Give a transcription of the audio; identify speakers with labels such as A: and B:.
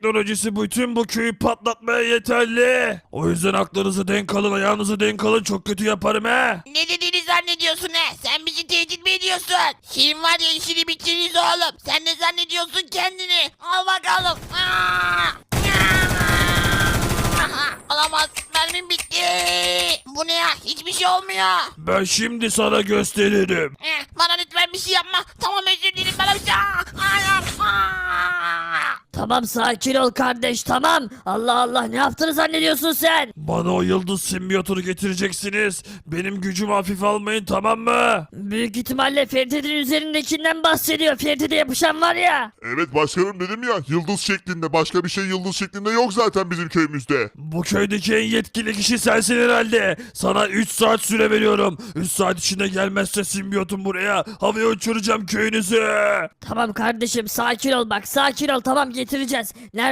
A: teknolojisi bütün bu köyü patlatmaya yeterli. O yüzden aklınızı denk alın, ayağınızı denk alın, çok kötü yaparım he.
B: Ne dediğini zannediyorsun he? Sen bizi tehdit mi ediyorsun? Şimdi var ya işini bitiririz oğlum. Sen ne zannediyorsun kendini? Al bakalım. Olamaz. Mermim bitti. Bu ne ya? Hiçbir şey olmuyor.
A: Ben şimdi sana gösteririm.
B: Bana lütfen bir şey yapma. Tamam özür dilerim. Bana bir şey...
C: Tamam sakin ol kardeş tamam. Allah Allah ne yaptığını zannediyorsun sen?
A: Bana o yıldız simbiyotunu getireceksiniz. Benim gücümü hafife almayın, tamam mı?
C: Büyük ihtimalle Ferit'in üzerindekinden bahsediyor. Ferit'e yapışan var ya.
D: Evet başkanım dedim ya yıldız şeklinde başka bir şey yıldız şeklinde yok zaten bizim köyümüzde.
A: Bu köydeki en yetkili kişi sensin herhalde. Sana 3 saat süre veriyorum. 3 saat içinde gelmezse simbiyotum buraya havaya uçuracağım köyünüzü.
C: Tamam kardeşim sakin ol bak sakin ol tamam getireceğiz. Nerede